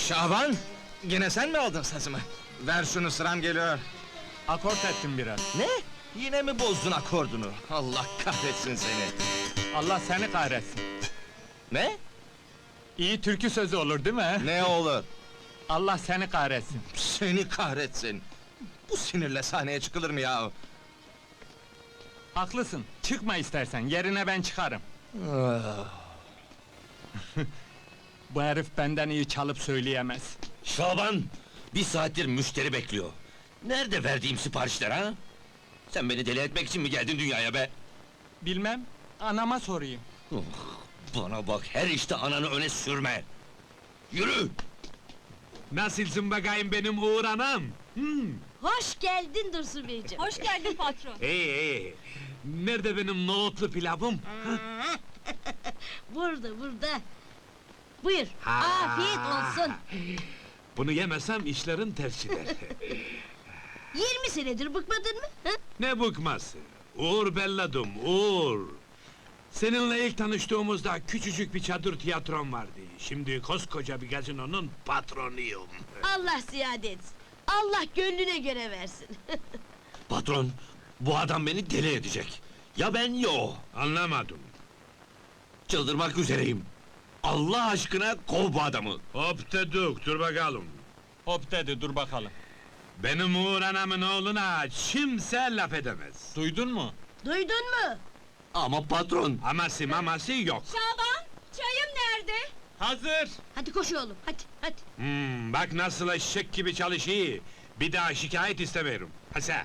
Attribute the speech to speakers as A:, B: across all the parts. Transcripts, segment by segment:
A: Şaban! Yine sen mi aldın sazımı? Ver şunu, sıram geliyor.
B: Akort ettim biraz.
A: Ne? Yine mi bozdun akordunu? Allah kahretsin seni!
B: Allah seni kahretsin.
A: Ne?
B: İyi türkü sözü olur değil mi?
A: Ne olur?
B: Allah seni kahretsin.
A: Seni kahretsin! Bu sinirle sahneye çıkılır mı ya?
B: Haklısın. Çıkma istersen. Yerine ben çıkarım. Bu herif benden iyi çalıp söyleyemez.
C: Şaban! Bir saattir müşteri bekliyor. Nerede verdiğim siparişler ha? Sen beni deli etmek için mi geldin dünyaya be?
B: Bilmem. Anama sorayım.
C: Oh, bana bak, her işte ananı öne sürme! Yürü!
D: Nasılsın bakayım benim Uğur anam?
E: Hoş geldin Dursun Beyciğim.
F: Hoş geldin patron.
D: İyi. Nerede benim nohutlu pilavım?
E: Burada. Buyur,
D: Ha.
E: afiyet olsun.
D: Bunu yemesem işlerin ters gider.
E: 20 senedir bıkmadın mı? Hı?
D: Ne bıkması? Uğur belladım, Uğur! Seninle ilk tanıştığımızda küçücük bir çadır tiyatrom vardı. Şimdi koskoca bir gazinonun patronuyum.
E: Allah ziyade etsin. Allah gönlüne göre versin.
C: Patron, bu adam beni deli edecek. Ya ben ya o.
D: Anlamadım.
C: Çıldırmak üzereyim. Allah aşkına kov bu adamı!
D: Hop dedik, dur bakalım.
B: Hop dedi, dur bakalım.
D: Benim Uğur anamın oğluna kimse laf edemez.
B: Duydun mu?
E: Duydun mu?
C: Ama patron!
D: Aması maması yok.
F: Şaban, çayım nerede?
B: Hazır!
E: Hadi koş oğlum, hadi.
D: Bak nasıl eşek gibi çalışıyor. Bir daha şikayet istemiyorum. Hasa.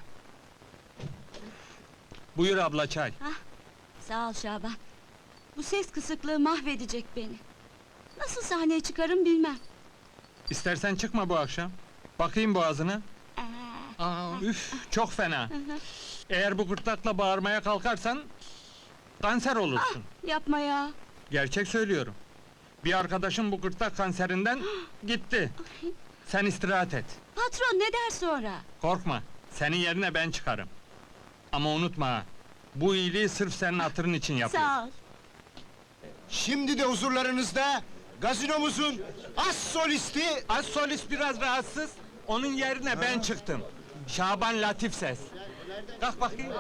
B: Buyur abla çay.
F: Sağ ol Şaban. Bu ses kısıklığı mahvedecek beni. Nasıl sahneye çıkarım bilmem.
B: İstersen çıkma bu akşam. Bakayım boğazına. Üf, çok fena. Eğer bu gırtlakla bağırmaya kalkarsan... ...kanser olursun.
F: Yapma ya.
B: Gerçek söylüyorum. Bir arkadaşım bu gırtlak kanserinden gitti. Sen istirahat et.
F: Patron ne der sonra?
B: Korkma, senin yerine ben çıkarım. Ama unutma ha, bu iyiliği sırf senin hatırın için yapıyorum.
F: Sağ ol.
G: Şimdi de huzurlarınızda gazinomuzun as solisti
B: Az solist biraz rahatsız, onun yerine ben çıktım. Şaban Latif Ses. Kalk bakayım.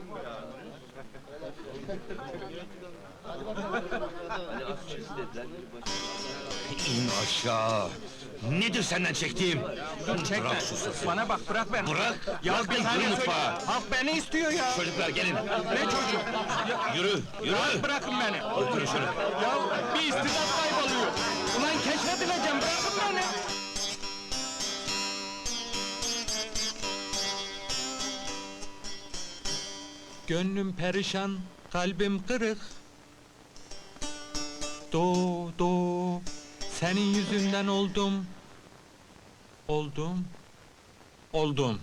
C: İn aşağı! Nedir senden çektiğim?
B: Dur çekme.
C: Bırak şu sesi.
B: Bana bak, bırak beni.
C: Bırak!
B: Ya
C: Bırak
B: bir
C: beni,
B: saniye
C: yürü
B: söyle.
C: mutfağa!
B: Halk beni istiyor ya.
C: Çocuklar gelin!
B: Ne çocuk?
C: Yürü! Yürü!
B: Rahat bırakın beni.
C: Oturun şöyle!
B: Ya bir istidat kayboluyor. Ulan keşfedileceğim, bırakın beni. Gönlüm perişan, kalbim kırık. Do, senin yüzünden oldum. Oldum.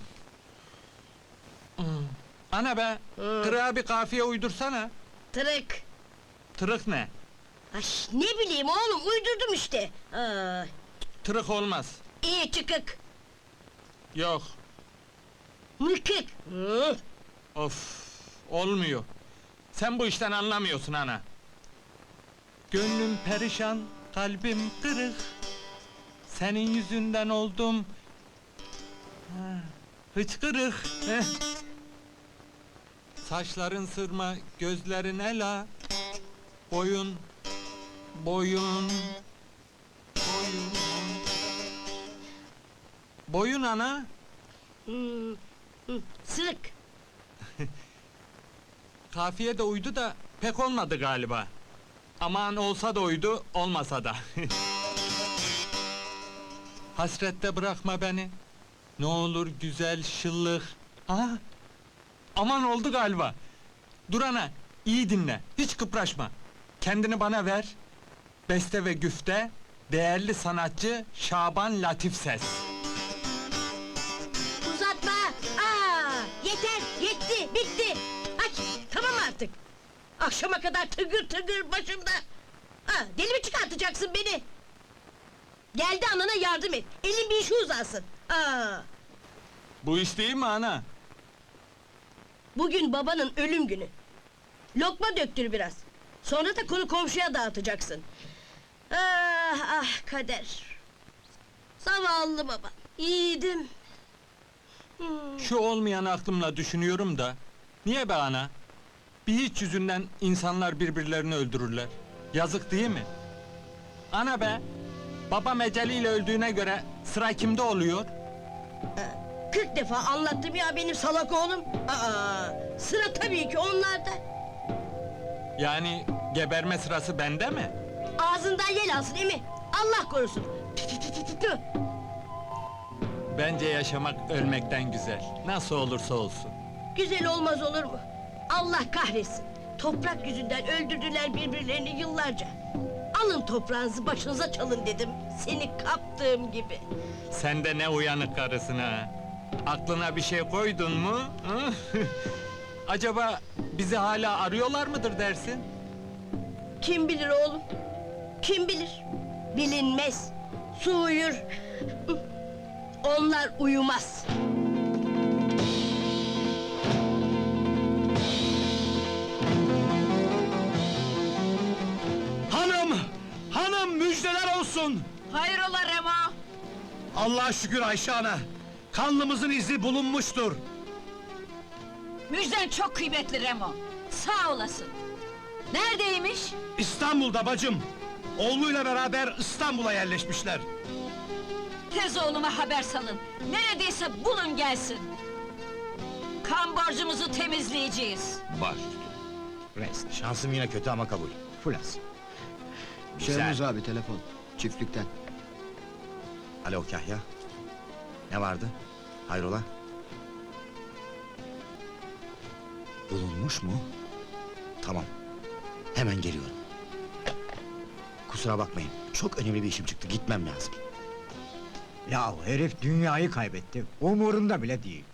B: Ana be, kırığa bir kafiye uydursana.
E: Tırık.
B: Tırık ne?
E: Ay, ne bileyim oğlum, uydurdum işte.
B: Tırık olmaz.
E: İyi çıkık,
B: Yok,
E: mıkık.
B: of, olmuyor. Sen bu işten anlamıyorsun ana. Gönlüm perişan, kalbim kırık. Senin yüzünden oldum. Hıçkırık. Heh. Saçların sırma, gözlerin ela. Boyun. Boyun ana.
E: Sırık.
B: Kafiye de uydu da pek olmadı galiba. Aman olsa da uydu, olmasa da. Hasrette bırakma beni. Ne olur güzel şıllık. Aman oldu galiba. Dur ana, iyi dinle, hiç kıpraşma. Kendini bana ver. Beste ve güfte, değerli sanatçı Şaban Latif Ses.
E: Uzatma! Yeter, yetti, bitti! Ay, tamam artık! Akşama kadar tıgır tıgır başımda! Deli mi çıkartacaksın beni? Geldi anana yardım et, elin bir işi uzansın!
B: Bu iş değil mi ana?
E: Bugün babanın ölüm günü! Lokma döktür biraz! Sonra da konu komşuya dağıtacaksın! Ah kader! Zavallı baba, yiğidim.
B: Şu olmayan aklımla düşünüyorum da... Niye be ana? Bir hiç yüzünden insanlar birbirlerini öldürürler. Yazık değil mi? Ana be! Babam eceliyle öldüğüne göre sıra kimde oluyor?
E: 40 defa anlattım ya benim salak oğlum. Sıra tabii ki onlarda.
B: Yani geberme sırası bende mi?
E: Ağzından yel alsın emi. Allah korusun. Tü tü tü tü tü tü.
B: Bence yaşamak ölmekten güzel. Nasıl olursa olsun.
E: Güzel olmaz olur mu? Allah kahretsin. Toprak yüzünden öldürdüler birbirlerini yıllarca. Alın toprağınızı başınıza çalın dedim. Seni kaptığım gibi.
B: Sen de ne uyanık karısın ha! Aklına bir şey koydun mu? Hı? Acaba bizi hala arıyorlar mıdır dersin?
E: Kim bilir oğlum? Kim bilir? Bilinmez. Su uyur. Onlar uyumaz.
G: Hanım! Hanım müjdeler olsun!
F: Hayrola Remo?
G: Allah'a şükür Ayşe ana! Kanlımızın izi bulunmuştur!
F: Müjden çok kıymetli Remo. Sağ olasın. Neredeymiş?
G: İstanbul'da bacım! Oğluyla beraber İstanbul'a yerleşmişler.
F: Tez oğluma haber salın. Neredeyse bulun gelsin. Kan borcumuzu temizleyeceğiz.
C: Baş.
H: Rest. Şansım yine kötü ama kabul. Fulas.
G: Şehmuz abi telefon, çiftlikten.
H: Alo Kahya. Ne vardı? Hayrola? Bulunmuş mu? Tamam. Hemen geliyorum. Kusura bakmayın. Çok önemli bir işim çıktı. Gitmem lazım.
I: Ya herif dünyayı kaybetti. Umurunda bile değil.